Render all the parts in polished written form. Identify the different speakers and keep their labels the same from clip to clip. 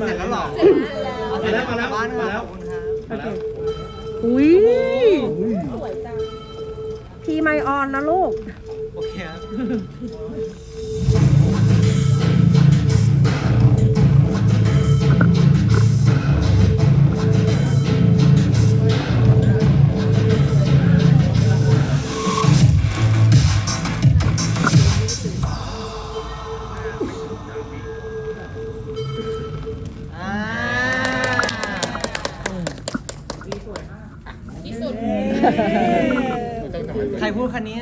Speaker 1: เสร็จแล้วหรอเสร็จแล้วมาแล้วมาแล้วขอบคุณครับมาแล้ว
Speaker 2: อุ้ยพีไมออนนะลูก
Speaker 1: โอเคครับใครพูดคันนี้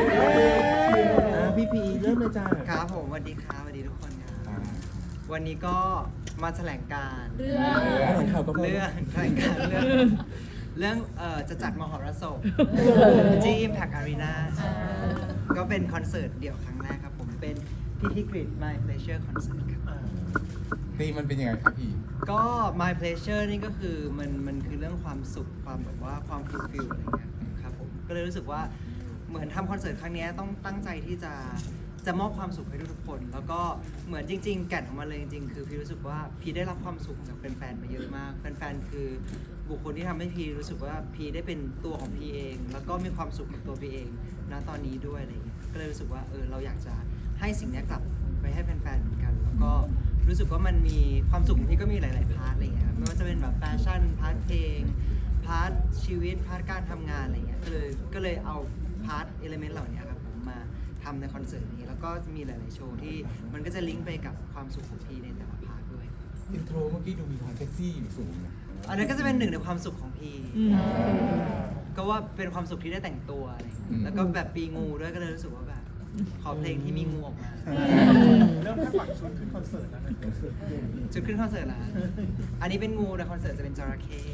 Speaker 3: พี่พีเริ่มเลยจ้า
Speaker 1: ครับผมสวัสดีครับสวัสดีทุกคนครับวันนี้ก็มาแถลงการเรื่องแถลงการเรื่องจะจัดมหรสพที่ Impact Arena ก็เป็นคอนเสิร์ตเดี่ยวครั้งแรกครับผมเป็นพิธีกรีด My Pleasure Concert ครับ
Speaker 4: ตีมันเป็นยังไงครับพี่
Speaker 1: ก็ My Pleasure นี่ก็คือมันคือเรื่องความสุขความแบบว่าความฟูลฟิลอะไรเงี้ยครับผมก็เลยรู้สึกว่าเหมือนทำคอนเสิร์ตครั้งนี้ต้องตั้งใจที่จะมอบความสุขให้ทุกๆคน แล้วก็เหมือนจริงๆแก่นของมันเลยจริงๆคือพี่รู้สึกว่าพี่ได้รับความสุขจากแฟนๆมาเยอะมากแฟนๆคือบุคคลที่ทำให้พี่รู้สึกว่าพี่ได้เป็นตัวของพี่เอง แล้วก็มีความสุขกับตัวพี่เองณตอนนี้ด้วยอะไรเงี้ยก็เลยรู้สึกว่าเราอยากจะให้สิ่งนี้กลับไปให้แฟนๆเหมือนกันแล้วก็รู้สึกว่ามันมีความสุขของพี่ก็มีหลายๆพาร์ทอะไรเงี้ยไม่ว่าจะเป็นแบบแฟชั่นพาร์ทเพลงพาร์ทชีวิตพาร์ทการทำงานอะไรเงี้ยก็เลยเอาพาร์ทเอลิเมนต์เหล่านี้ครับผมมาทำในคอนเสิร์ตนี้แล้วก็มีหลายๆโชว์ที่มันก็จะลิงก์ไปกับความสุขของพี่ในแต่ละพาร์ทด้วย
Speaker 4: อินโทรเมื่อกี้ดูมีความเซ็กซี่อยู่สูงนะ
Speaker 1: อันนั้นก็จะเป็นหนึ่งในความสุขของพี่ก็ว่าเป็นความสุขที่ได้แต่งตัวอะไรเงี้ยแล้วก็แบบปีงูด้วยก็เลยรู้สึกว่าแบบขอเพลงที่มีงูออกมา
Speaker 3: เริ่มคาดหวังชุดขึ้นคอนเสิร์ตแล้วนะ
Speaker 1: จุดขึ้นคอนเสิร์ตละอันนี้เป็นงูแต่คอนเสิร์ตจะเป็นจระเข้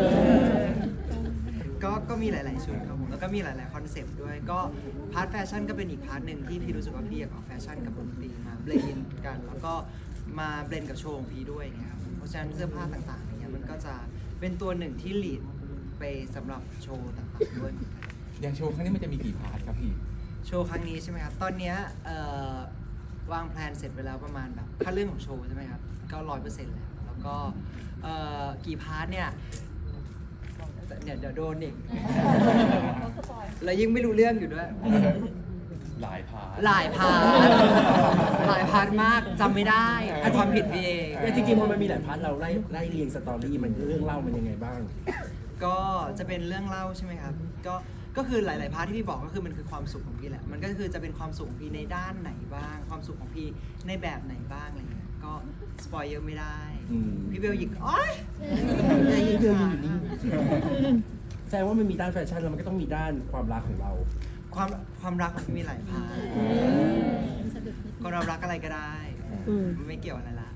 Speaker 1: ก็มีหลายๆชุดครับผมแล้วก็มีหลายๆคอนเซปต์ด้วยก็พาร์ทแฟชั่นก็เป็นอีกพาร์ทหนึ่งที่พี่รู้สึกว่าพี่อยากเอาแฟชั่นกับดนตรีมาเบลนด์กันแล้วก็มาเบลนด์กับโชว์ของพี่ด้วยอย่างเงี้ยครับเพราะฉะนั้นเสื้อผ้าต่างๆอย่างเงี้ยมันก็จะเป็นตัวหนึ่งที่ลีดไปสำหรับโชว์ต่างๆด้วย
Speaker 4: อย่างโชว์ครั้งนี้มันจะมีกี่พาร์ทครับพี่
Speaker 1: โชว์ครั้งนี้ใช่ไหมครับตอนเนี้ยวางแผนเสร็จไปแล้วประมาณแบบถ้าเรื่องของโชว์ใช่ไหมครับก็100%แล้วก็กี่พาร์ทเนี่ยเดี๋ยวโดนอีกแล้วยิ่งไม่รู้เรื่องอยู่ด้วย
Speaker 4: หลายพาร์ท
Speaker 1: หลายพาร์ทหลายพาร์ทมากจำไม่ได้ความผิดพี่เอง
Speaker 3: จริงๆมันมีหลายพาร์ทเราไล่เรียงสตอรี่มันเรื่องเล่ามันยังไงบ้าง
Speaker 1: ก็จะเป็นเรื่องเล่าใช่ไหมครับก็คือหลายๆพาร์ทที่พี่บอกก็คือมันคือความสุขของพี่แหละมันก็คือจะเป็นความสุขของพี่ในด้านไหนบ้าง ความสุขของพี่ในแบบไหนบ้างอะไรเงี้ยก็สปอยเยอะไม่ได้พี่เบลหยิกโอ๊ยอย่าหยิกขาด
Speaker 3: แสดงว่ามันมีด้านแฟชั่นแล้วมันก็ต้องมีด้านความรักของเรา
Speaker 1: ความรักมันมีหลายพาร์ทก็เรารักอะไรก็ได้ไม่เกี่ยวอะไรละ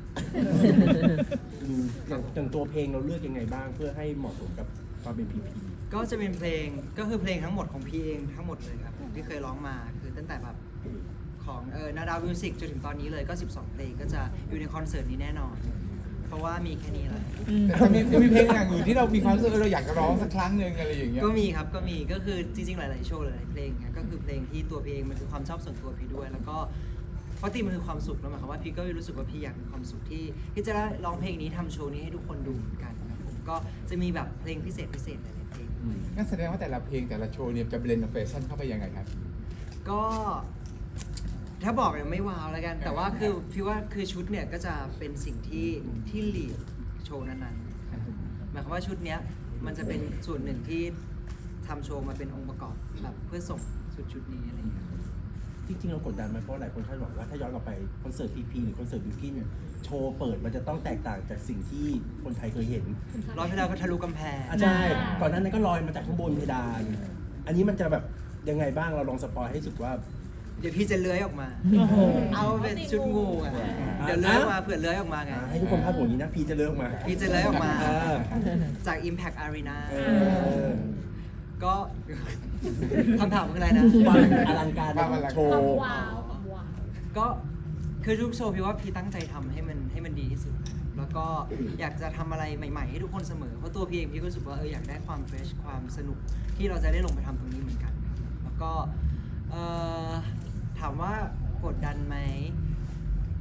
Speaker 3: อย่างตัวเพลงเราเลือกยังไงบ้างเพื่อให้เหมาะสมกับความเป็นพีพี
Speaker 1: ก็จะเป็นเพลงก็คือเพลงทั้งหมดของพี่เองทั้งหมดเลยครับที่เคยร้องมาคือตั้งแต่แบบของนาดาวมิวสิกจนถึงตอนนี้เลยก็12เพลงก็จะอยู่ในคอนเสิร์ตนี้แน่นอน เพราะว่ามีแค่นี้แหละ
Speaker 4: แต่จะมีเพลงอย่างอื่นที่เรามีความรู้สึกเราอยากจะร้องสักครั้งหนึ่งอะไรอย่างเงี้ย
Speaker 1: ก็มีครับก็มีก็คือจริงๆหลายๆโชว์หลายๆเพลงเนี่ยก็คือเพลงที่ตัวพี่เองมันคือความชอบส่วนตัวพี่ด้วย แล้วก็เพราะตีมันคือความสุขแล้วหมายความว่าพี่ก็รู้สึกว่าพี่อยากมีความสุขที่จะได้ร้องเพลงนี้ทำโชว์นี้ให้ทุกคนดูเหมือนกันครับผมก็จะมีแบบเพลงพิเศษหลายๆเพลง
Speaker 4: งั้นแสดงว่าแต่ละเพลงแต่ละโชว์เนี่ยจะเบลนด์กับแฟชั่นเข้าไปยังไงครับ
Speaker 1: ก็ถ้าบอกเนี่ยไม่ว้าวแล้วกัน แต่ว่าคือพี่ว่าคือชุดเนี่ยก็จะเป็นสิ่งที่ลีดโชว์นั้นๆหมายความว่าชุดเนี้ยมันจะเป็นส่วนหนึ่งที่ทำโชว์มาเป็นองค์ประกอบแบบเพื่อส่งชุดนี้อะไรอย่างเงี้ย
Speaker 3: จริงๆเรากดดันไหมเพราะหลายคนคาดหวังว่าถ้าย้อนกลับไปคอนเสิร์ตพีพีหรือคอนเสิร์ตบิวกิ้นโชว์เปิดมันจะต้องแตกต่างจากสิ่งที่คนไทยเคยเห็น
Speaker 1: ร้อยเพดานก็ทะลุกำแพง
Speaker 3: ใช่ก่อนหน้านั้นก็ลอยมาจากข้างบนเพดาน อันนี้มันจะแบบยังไงบ้างเราลองสปอยให้สุดว่า
Speaker 1: เดี๋ยวพี่จะเลื้อยออกมา เอาเป็นชุดงูอ่ะเดี๋ยวเลื้อยออกมาเผื่อเลื้อยออกมาไง
Speaker 3: ให้ทุกคนภาพอย่างนี้นะพีจะเลิกมา
Speaker 1: พี่จะเลื้อยออกมา
Speaker 3: เออ
Speaker 1: จาก Impact Arena
Speaker 3: เออ
Speaker 1: ก็ คำถามคืออะไรนะ
Speaker 3: ความอลังการโชว์
Speaker 1: ก็คือทุกโชว์พี่ว่าพี่ตั้งใจทำให้มันดีที่สุดนะครับแล้วก็อยากจะทำอะไรใหม่ๆให้ทุกคนเสมอเพราะตัวพี่เองพี่ก็รู้สึกว่าอยากได้ความเฟรชความสนุกที่เราจะได้ลงไปทำตรงนี้เหมือนกันครับแล้วก็ถามว่ากดดันไหม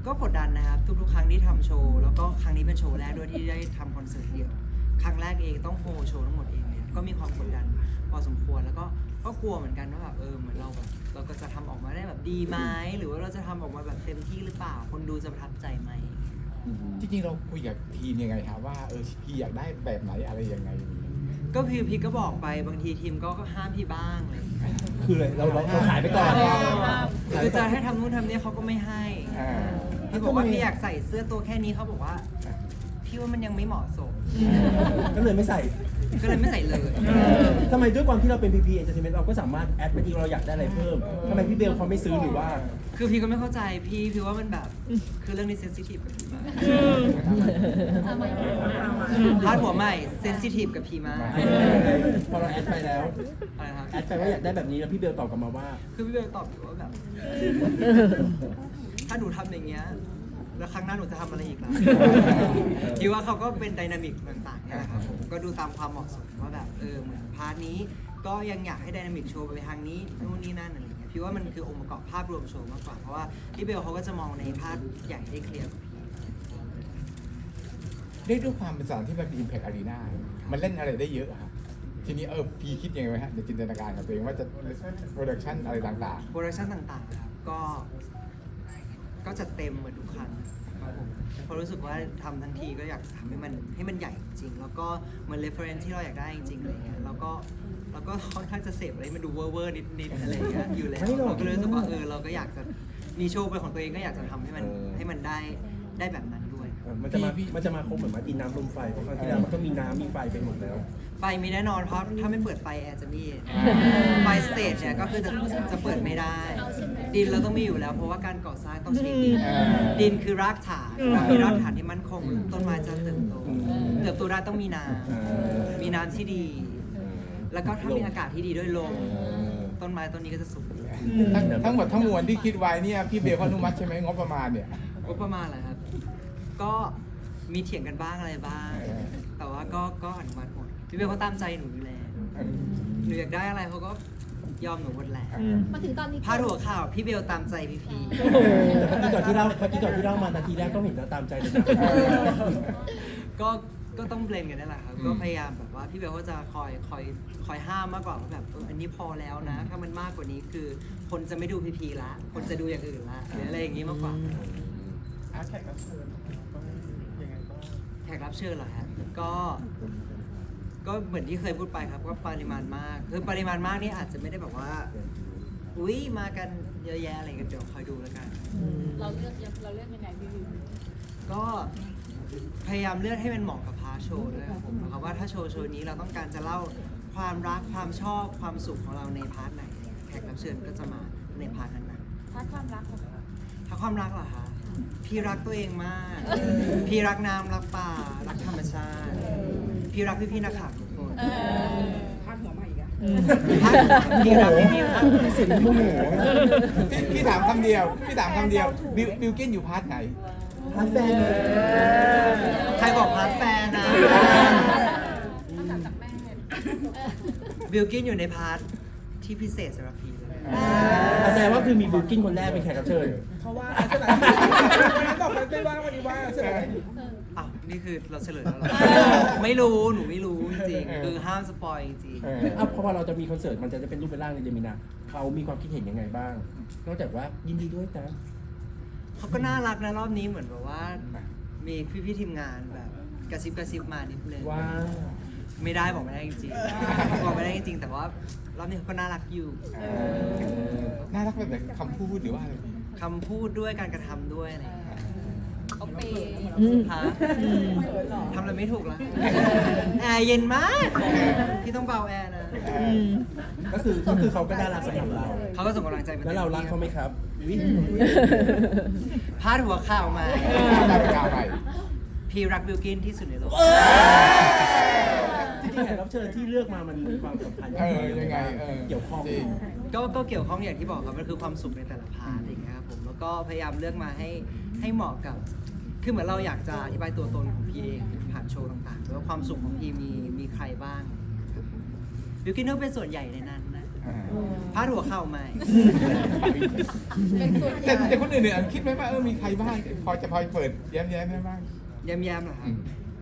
Speaker 1: ก็กดดันนะครับทุกๆครั้งที่ทำโชว์แล้วก็ครั้งนี้เป็นโชว์แรกด้วยที่ได้ทำคอนเสิร์ตเดี่ยวครั้งแรกเองต้องโฮโชว์ทั้งหมดเองเนี่ยก็มีความกดดันพอสมควรแล้วก็กลัวเหมือนกันว่าแบบเหมือนเราแบบเราก็จะทำออกมาได้แบบดีไหมหรือว่าเราจะทำออกมาแบบเต็มที่หรือเปล่าคนดูจะประทับใจไหม
Speaker 4: จริงๆเราคุยกับทีมยังไงครับว่าพี่อยากได้แบบไหนอะไรยังไง
Speaker 1: ก็พี่ก็บอกไปบางทีทีมก็ห้ามพี่บ้างเลย
Speaker 3: คือเลยเราขายไปก่อน
Speaker 1: คือจะให้ทำนู่นทำนี่เขาก็ไม่ให้
Speaker 4: อ่า
Speaker 1: พี่บอกว่าพี่อยากใส่เสื้อตัวแค่นี้เขาบอกว่าพี่ว่ามันยังไม่เหมาะสม
Speaker 3: ก็เลยไม่ใส่
Speaker 1: ก็เลยไม่ใส่เลย
Speaker 3: ทำไมด้วยความที่เราเป็น PP Entertainment เราก็สามารถแอดไปที่เราอยากได้อะไรเพิ่มทำไมพี่เบลเขาไม่ซื้อหรือว่า
Speaker 1: คือพี่ก็ไม่เข้าใจพี่ว่ามันแบบคือเรื่องนี้เซนซิทีฟกับพี่มากพาดหัวใหม่เซนซิทีฟกับพี่มาก
Speaker 3: พอเราแอดไปแล้ว
Speaker 1: อะไรครับ
Speaker 3: แอดไปว่าอยากได้แบบนี้แล้วพี่เบลตอบกลับมาว่า
Speaker 1: คือพี่เบลตอบอยู่ว่าแบบ ถ้าหนูทำอย่างเงี้ยแล้วครั้งหน้าหนูจะทำอะไรอีกล่ะ คิดว่าเขาก็เป็นไดนามิกต่างๆนี่แหละครับผมก็ดูตามความเหมาะสมว่าแบบเหมือนพาร์ทนี้ก็ยังอยากให้ไดนามิกโชว์ไปทางนี้นู่นนี่นั่นอะไรอย่างเงี้ยพี่ว่ามันคือองค์ประกอบภาพรวมโชว์มากกว่าเพราะว่าพี่เบลเขาก็จะมองในภาพใหญ่ได้เคลียร์กว่าพี่
Speaker 4: เรียกด้วยความเป็นสถานที่แบบอิมแพคอารีนามันเล่นอะไรได้เยอะอะครับทีนี้พี่คิดยังไงไหมฮะในจินตนาการกับตัวเองว่าจะโปรดักชันอะไรต่าง
Speaker 1: โปรดักชั่นต่างๆนะครับก็จะเต็มเหมือนทุกครั้งครับผมเพราะรู้สึกว่าทำทั้งทีก็อยากทำให้มันใหญ่จริงๆแล้วก็เหมือน reference ที่เราอยากได้จริงๆอะไรเงี้ยแล้วก็ค่อนข้างจะเสพอะไรมันดูเวอร์ๆนิดๆอะไรเงี้ยอยู่แล้ว
Speaker 3: ไม่หรอก
Speaker 1: เราก็เลยรู้สึกว่าเราก็อยากจะมีโชว์เป็นของตัวเองก็อยากจะทำให้มันได้แบบนั้นด้วย
Speaker 3: มันจะมาครบเหมือนมาดินน้ำลมไฟเพราะครั้งที่แล้วมันก็มีน้ำมีไฟไปหมดแล้ว
Speaker 1: ไฟมีแน่นอนเพราะถ้าไม่เปิดไฟแอร์จะไม่เย็นไฟสเตจเนี่ยก็คือจะเปิดไม่ได้ ดินเราต้องมีอยู่แล้วเพราะว่าการก่อสร้างต้องใช้ดิน ดินคือรากฐานเรามีรากฐานที่มั่นคงต้นไม้จะเติบโตได้ต้องมีน้ำมีน้ำที่ดี แล้วก็ถ้ามีอากาศที่ดีด้วยลมต้นไม้ต้นนี้ก็จะสุก
Speaker 4: ๆทั้งหมดทั้งมวลที่คิดไว้เนี่ยพี่เบลเขาอนุมัติใช่ไหมงบประมาณเนี่ย
Speaker 1: ก็ประมาณแหละครับ ก็มีเถียงกันบ้างอะไรบ้าง แต่ว่าก็อนุมัติหมดพี่เบลเขาตามใจหนูอยู่แล้วหนูอยากได้อะไรเขาก็ยอมหนูหมดแหละ
Speaker 5: มาถึงตอนนี้
Speaker 1: พาดหัวข่าวพี่เบลตามใจพี่พี
Speaker 3: แต่เมื่อกี้ก่อนที่เล่ามานาทีแรกก็เห็นแล้วตามใจเลยนะ
Speaker 1: ก็ต้องเบลนกันนั่นแหละครับ ก็พยายามแบบว่าพี่เบลก็จะคอยห้ามมากกว่าว่าแบบอันนี้พอแล้วนะ ถ้ามันมากกว่านี้คือคนจะไม่ดูพีพีละคนจะดูอย่างอื่นละหรืออะไรอย่างงี้มากกว่าแขกรับเชิญเหรอฮะก็เหมือนที่เคยพูดไปครับว่าปริมาณมากคือปริมาณมากนี่อาจจะไม่ได้แบบว่าอุ้ยมากันเยอะแยะอะไรกันเดี๋ยวคอยดูแล้วกัน
Speaker 5: เราเลือกยังไงพี่วิว
Speaker 1: ก็พยายามเลือกให้มันเหมาะกับพาร์ทโชว์ด้วยครับผมนะครับว่าถ้าโชว์นี้เราต้องการจะเล่าความรักความชอบความสุขของเราในพาร์ทไหนเนี่ยแขกรับเชิญก็จะมาในพาร์ทนั้นๆ
Speaker 5: พาร์ทความรักของเรา
Speaker 1: ถ้าความรักเหรอคะพี่รักตัวเองมาก พี่รักน้ำรักป่ารักธรรมชาติ พี่รักพี่นักข่าวทุกคนพาดหัวใหม่อีกอะพี่รักพี่รัก
Speaker 3: เสียงโมโห
Speaker 4: พี่ถามคำเดียวบิลกินอยู่พาร์ทไหน
Speaker 3: พาร์ทแฟนเลย
Speaker 1: ใครบอกพาร์ทแฟนนะ
Speaker 5: ต้องจากแม่
Speaker 1: บิลกินอยู่ในพาร์ทที่พิเศษสำหรับพี่เลย
Speaker 3: แสดงว่าคือมีบิลกิ้นคนแรกเป็นแขกรับเชิญ
Speaker 6: เขาว่าใช่ไหมวันนั้นบอกไปไม่ว่าวันนี้ว่าใช่ไหม
Speaker 1: อ้าวนี่คือเราเฉลยแล้วเหรอ ไม่รู้หนูไม่รู้จริงๆคือห้ามสปอยจริง
Speaker 3: เพราะว่าเราจะมีคอนเสิร์ตมันจะเป็นรูปเป็นร่างในเดมินาเขามีความคิดเห็นยังไงบ้าง นอกจากว่ายินดีด้วยนะ
Speaker 1: ๆเขาก็น่ารักนะรอบนี้เหมือนแบบว่า มีพี่ๆทีมงานแบบกระซิบมานิดนึง
Speaker 3: ว่า
Speaker 1: ไม่ได้บอกไม่ได้จริงๆบอกไม่ได้จริงๆแต่ว่ารอบนี้เขาก็น่ารักอยู่
Speaker 4: น่ารักแบบไหนคำพูดหรือว่าอะไร
Speaker 1: คำพูดด้วยการกระทำด้วยอะไรอย่างเงี้ย
Speaker 5: เขาเปย์
Speaker 1: ฮะทำอะไรไม่ถูกละแอร์เย็นมาก พี่ต้องเบาแอร์นะ
Speaker 3: ก็คือเขาก็น่ารักสำหรับเรา
Speaker 1: เขาก็ส่งกำลังใจมา
Speaker 3: แล้วเรารักเขาไหมครับ
Speaker 1: พาดหัวข่าวมา
Speaker 4: กล้าไป
Speaker 1: พี่รักบิลกินที่สุดในโลก
Speaker 3: จริงๆแขกรับเชิญที่เลือกมามันมีความสัมพันธ์
Speaker 4: ยังไง
Speaker 3: เกี่ยวข้อง
Speaker 4: จริง
Speaker 1: ก็เกี่ยวข้องอย่างที่บอกครับมันคือความสุขในแต่ละพาร์ทอะไรอย่างเงี้ยครับผมแล้วก็พยายามเลือกมาให้เหมาะกับคือเหมือนเราอยากจะอธิบายตัวตนของพี่เองผ่านโชว์ต่างๆว่าความสุขของพี่มีใครบ้างบิลกินก็เป็นส่วนใหญ่ในนั้นนะพาดหัวข่าวใหม่
Speaker 5: เป็นส่วนให
Speaker 4: แต่
Speaker 5: ญ่
Speaker 4: คนอื่นเนี่ยคิดไหมว่ามีใครบ้างพอเปิดแย้มได้บ้าง
Speaker 1: แย้มๆเหรอครับ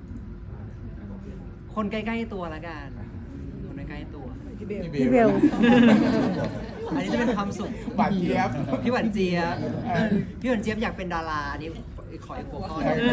Speaker 1: คนใกล้ๆตัวละกัน คนใกล้ๆตัว
Speaker 2: พี่เบล
Speaker 1: อันนี้จะเป็นความสุข
Speaker 4: บาดเจี๊ยบ
Speaker 1: พี่หวานเจี๊ยบพี่หวานเจี๊ยบอยากเป็นดาราอันนี้ขออีกหัวข้อหนึง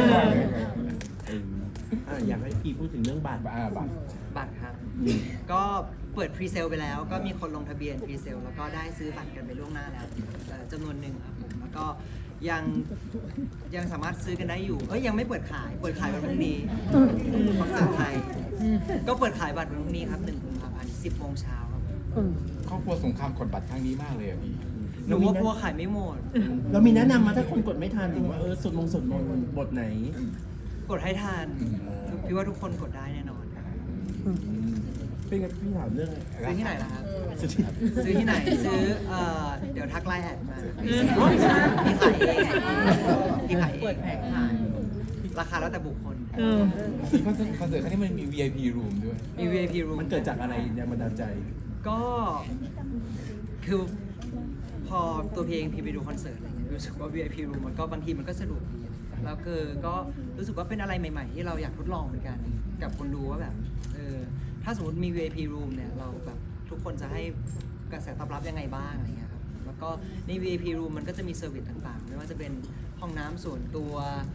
Speaker 3: อยากให้พี่พูดถึงเรื่องบัตร
Speaker 4: บัตร
Speaker 1: บัตรครับ ก็เปิดพรีเซลไปแล้ว ก็มีคนลงทะเบียนพรีเซลแล้วก็ได้ซื้อบัตรกันไปล่วงหน้าแล้วจำนวนหนึ่งครับผมแล้วก็ยังสามารถซื้อกันได้อยู่ยังไม่เปิดขายวันพรุ่งนี้คอนเสิร์ตไทยก็เปิดขายบัตรวันพรุ่งนี้ครับ1 กุมภาพันธ์ 10 โมงเช้าครับ
Speaker 4: ครอบครัวสงครามกดบัตรครั้งนี้มากเลยอ่ะพี่
Speaker 1: หนูว่ากลัวขายไม่หมด
Speaker 3: เรามีแนะนำมาถ้าคนกดไม่ทันหรือว่าสวดมนต์บทไหน
Speaker 1: กดให้ทันพี่ว่าทุกคนกดได้แน่นอน
Speaker 3: เป็นไงพี่ถามเรื่อง
Speaker 1: ซื้อที่ไหนล่ะครับ
Speaker 3: สุดที่
Speaker 1: ซื้อที่ไหนซื้อเดี๋ยวทักไลน์แอดมาพี่ขายเองพี่ขายเองราคาแล้วแต่บุคคล
Speaker 4: คอนเสิร์ตครั้งนี้มันมี VIP room ด้วย
Speaker 1: มี VIP room
Speaker 3: มันเกิดจากอะไรแรงบันดาลใจ
Speaker 1: ก็คือพอตัวเพลงพี่ไปดูคอนเสิร์ตอะไรเงี้ยรู้สึกว่า VIP room มันก็บางทีมันก็สะดวกดีแล้วก็รู้สึกว่าเป็นอะไรใหม่ๆที่เราอยากทดลองเหมือนกันกับคนดูว่าแบบถ้าสมมติมี VIP room เนี่ยเราแบบทุกคนจะให้กระแสตอบรับยังไงบ้างอะไรเงี้ยครับแล้วก็ใน VIP room มันก็จะมีเซอร์วิสต่างๆไม่ว่าจะเป็นห้องน้ำส่วนตัว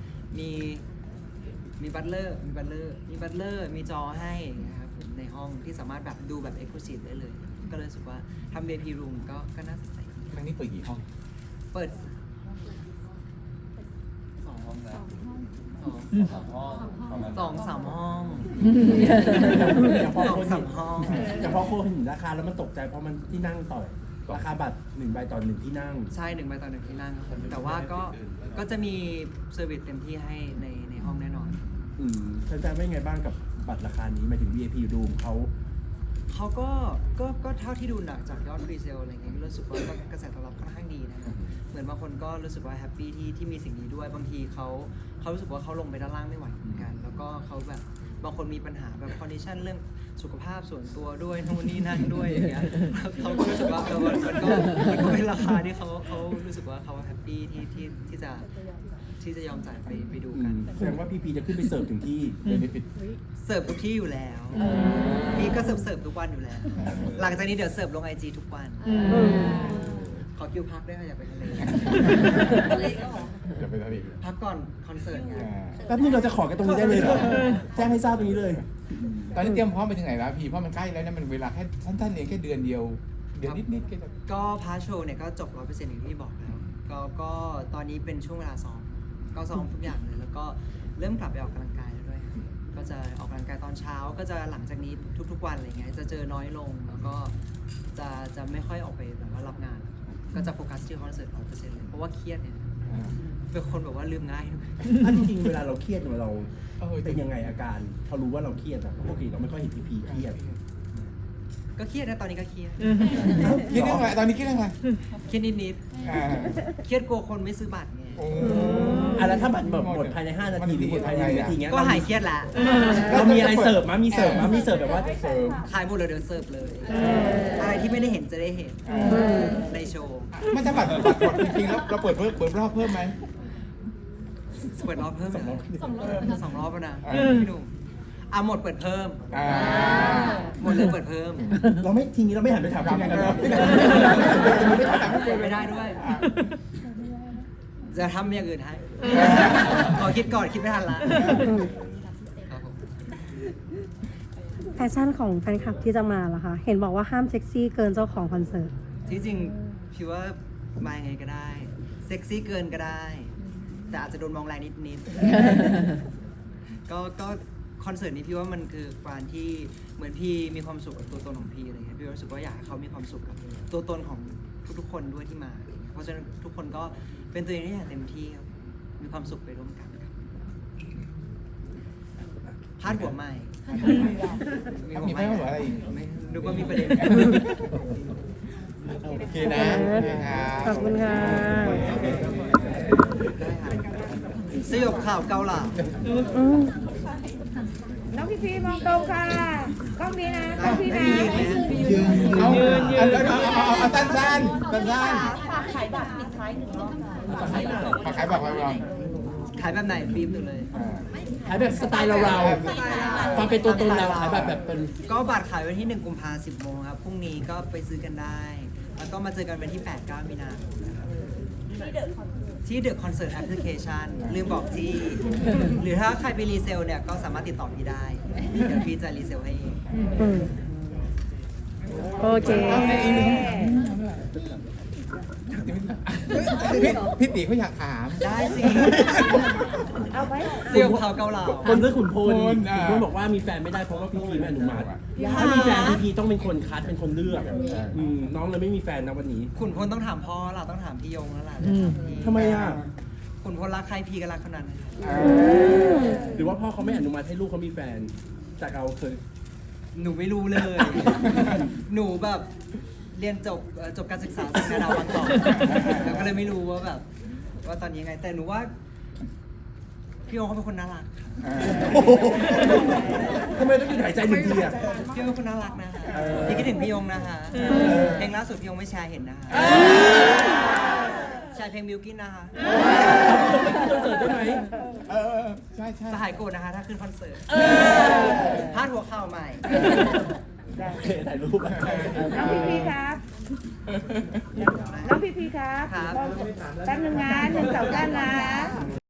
Speaker 1: มีบัตเลอร์มีจอให้นะครับในห้องที่สามารถแบบดูแบบ Exclusive ได้เลย ก็เลยรู้สึกว่าทำ VIP room ก็น่าสนใจ
Speaker 4: ครั้งนี้เปิดกี่ห้อง
Speaker 1: เปิด
Speaker 6: 2 ห้องนะ
Speaker 1: 2
Speaker 6: ห้องประมาณ
Speaker 1: 2-3 ห้อง
Speaker 3: อย่างพอ
Speaker 1: 2-3 ห้อง
Speaker 3: อย่างพอคนเห็นราคาแล้วมันตกใจเพราะมันที่นั่งต่อราคาบัตร1 ใบต่อ 1 ที่นั่ง
Speaker 1: ใช่1 ใบต่อ 1 ที่นั่งครับแต่ว่าก็จะมีเซอร์วิสเต็มที่ให้ในห้องแน่นอน
Speaker 3: แฟนๆว่ายังไงบ้างกับบัตรราคานี้หมายถึง VIP Room
Speaker 1: เขาก็เท่าที่ดูจากยอดพรีเซลอะไรเงี้ยรู้สึกว่ากระแสตอบรับค่อนข้างดีนะครับเหมือนบางคนก็รู้สึกว่าแฮปปี้ที่มีสิ่งนี้ด้วยบางทีเขารู้สึกว่าเขาลงไปด้านล่างไม่ไหวเหมือนกัน แล้วก็เขาแบบบางคนมีปัญหาแบบคอนดิชันเรื่องสุขภาพส่วนตัวด้วยนู่นนี่นั่นด้วยอย่างเงี้ยเขาก็รู้สึกว่ามันก็เป็นราคาที่เขารู้สึกว่าเขาแฮปปี้ที่จะยอมจ่ายไปดูกัน
Speaker 3: แสดงว่าพีพีจะขึ้นไปเสิร์ฟถึงที่
Speaker 4: เดี๋ยวนี้ปิด
Speaker 1: เสิร์ฟทุกที่อยู่แล้วพี่ก็เสิร์ฟทุกวันอยู่แล้ว หลังจากนี้เดี๋ยวเสิร์ฟลง IG ทุกวัน ขอคิวพักด้วยค่ะอยากไปทะเล
Speaker 4: เดี๋ยวไปทะเล
Speaker 1: พักก่อนคอนเสิร์ตไง
Speaker 3: แป๊บนึงเราจะขอกันตรงนี้ได้เลยเหรอแจ้งให้ทราบตรงนี้เลย
Speaker 4: ตอนนี้เตรียมพร้อมไปถึงไหนแล้วพี่เพราะมันใกล้แล้วนะมันเวลาแค่สั้นๆเองแค่เดือนเดียวนิดๆแค่จะ
Speaker 1: ก็พาร์ทโชว์เนี่ยก็จบ 100% อย่างที่บอกแล้วก็ตอนนี้เป็นช่วงเวลาซ้อมก็ซ้อมทุกอย่างเลย แล้วก็เริ่มกลับไปออกกำลังกายแล้วด้วยครับก็จะออกกำลังกายตอนเช้าก็จะหลังจากนี้ทุกๆวันอะไรเงี้ยจะเจอน้อยลงแล้วก็จะไม่ค่อยออกไปแบบว่ารับงานก็จะโฟกัสที่คอนเสิร์ต 100% เลยเพราะว่าเครียดเนี่ยเป็นคนแบบว่าลืมง่ายด้วย
Speaker 3: อันจริงๆเวลาเราเครียดเนี่ยเราเป็นยังไงอาการพอรู้ว่าเราเครียดอะปกติเราไม่ค่อยเห็นพีพีเครียด
Speaker 1: ก็เครียดนะตอนนี้ก็เครียด
Speaker 4: คิดเรื่องอะไรตอนนี้คิดเรื่องอะไร
Speaker 1: เครียดนิดๆเครียดกลัวคนไม่ซื้อบัตรไง
Speaker 3: แล้วถ้าบัตรหมดภายใน5 นาทีหรือหมดภายใน1 นาทีเงี้ย
Speaker 1: ก็หายเครียดละ
Speaker 3: เรามีอะไรเสิร์ฟมั้ยมีเสิร์ฟแบบว่า
Speaker 4: เสริม
Speaker 1: ขายหมดเลยเดี๋ยวเสิร์ฟเลยอะไรที่ไม่ได้เห็นจะได้เห็นในโชว์
Speaker 4: ไม่ถ้าบัตรหมดจริงๆแล้วเราเปิดรอบเพิ่มไหม
Speaker 1: เปิดรอบเพิ่มเหรอ
Speaker 5: 2 รอบ
Speaker 1: 2 รอบแล้วนะพี่หนุ่มหมดเปิดเพิ่ม หมดเลยเปิดเพิ่ม
Speaker 3: เราไม่ทีนี้เราไม่หันไปถามพี่แนนกันหรอ
Speaker 1: ไม่ได้ด้วย จะทำอย่างอื่นให้ ขอคิดก่อนคิดไม่ทันละครับผม
Speaker 2: แฟชั่นของแฟนคลับที่จะมาล่ะคะ เห็นบอกว่าห้ามเซ็กซี่เกินเจ้าของคอนเสิร์ต
Speaker 1: ที่จริงพี่ว่ามายังไงก็ได้ เซ็กซี่เกินก็ได้ แต่อาจจะโดนมองแรงนิดๆก็คอนเสิร์ตนี้พี่ว่ามันคือการที่เหมือนพี่มีความสุขกับตัวตนของพี่อะไรเงี้ยพี่รู้สึกว่าอยากให้เขามีความสุขกับตัวตนของทุกๆคนด้วยที่มาอะไรเงี้ยเพราะฉะนั้นทุกคนก็เป็นตัวเองได้อย่างเต็มที่ครับมีความสุขไปร่วมกันครับพาดหัวใหม่
Speaker 4: มีไหมว่าอะไรอีก
Speaker 1: ไม่นึกว่ามีประเด็น
Speaker 4: โอเคนะโอเคครับ
Speaker 2: ขอบคุณค่ะ
Speaker 1: ได้ครับสยบข่าวเกาเหลา
Speaker 2: อืม
Speaker 7: น้องพี่พีมองตรงค่ะกล้องนี้นะกล้องพี่นะ
Speaker 4: เอาเอาสั้น
Speaker 7: ฝากขายบัตรปิดท้ายหนึ่งรอบค่ะ
Speaker 4: ฝากขายบอกเรา
Speaker 1: ขายแบบไหนบีบหนูเลย
Speaker 3: ขายแบบสไตล์เราๆความเป็นตัวตนเราขายแบบเป็น
Speaker 1: ก็บัตรขายวันที่ 1 กุมภาพันธ์ 10 โมงครับ พรุ่งนี้ก็ไปซื้อกันได้ แล้วก็มาเจอกันวันที่ 8-9 มีนาคมนะครับที่เดอะคอนเสิร์ตแอปพลิเคชันลืมบอกที่ หรือถ้าใครไปรีเซลเนี่ย ก็สามารถติดต่อพี่ได้ เดี๋ยวพี่จะรีเซลให้เอง
Speaker 2: อืมโอเค
Speaker 4: พี่ตีเขาอยากถาม
Speaker 1: ได้สิ
Speaker 7: เอาไหม
Speaker 1: เสี่ยวเขาเกาเหลา
Speaker 3: คนเรื่องขุนพล
Speaker 4: ขุนพล
Speaker 3: ขุนพลบอกว่ามีแฟนไม่ได้เพราะว่าพี่พีไม่อนุมัติถ้ามีแฟนพี่พีต้องเป็นคนคัดเป็นคนเลือกน้องเลยไม่มีแฟนนะวันนี้
Speaker 1: ขุนพลต้องถามพ่อเราต้องถามพี่ยงแล้วล่ะ
Speaker 3: ทำไมอ่ะ
Speaker 1: ขุนพลรักใครพี่ก็รักคนนั้น
Speaker 3: หรือว่าพ่อเขาไม่อนุมัติให้ลูกเขามีแฟนแต่เราเคย
Speaker 1: หนูไม่รู้เลย หนูแบบเรียนจบการศึกษาจากนาดาวมาก่อนแล้วก็เลยไม่รู้ว่าแบบ ว่าตอนนี้ยังไง แต่หนูว่า พี่โอเขาเป็นคนน่ารักค่ะ
Speaker 3: ทำไมต้องหยุดหายใจหนึ่งทีอ่ะ
Speaker 1: พี่โอเป็นคนน่ารักนะคะพี่คิดถึงพี่ยงนะคะเพลงล่าสุดพี่ยงไม่แชร์เห็นนะคะแชร์เพลงมิวกินนะคะ
Speaker 3: คอนเสิร์ตได้ไหม
Speaker 4: ใช่ใช่
Speaker 1: จะหายโกรธนะคะ ถ้าขึ้นคอนเสิร์ตพาดหัวข่าวใหม่
Speaker 3: โอเคถ่ายรูป
Speaker 7: น้องพี่พีครับ น้องพี่พีครับ
Speaker 1: ครับ
Speaker 7: แป๊บนึงนะ1 2 3นะ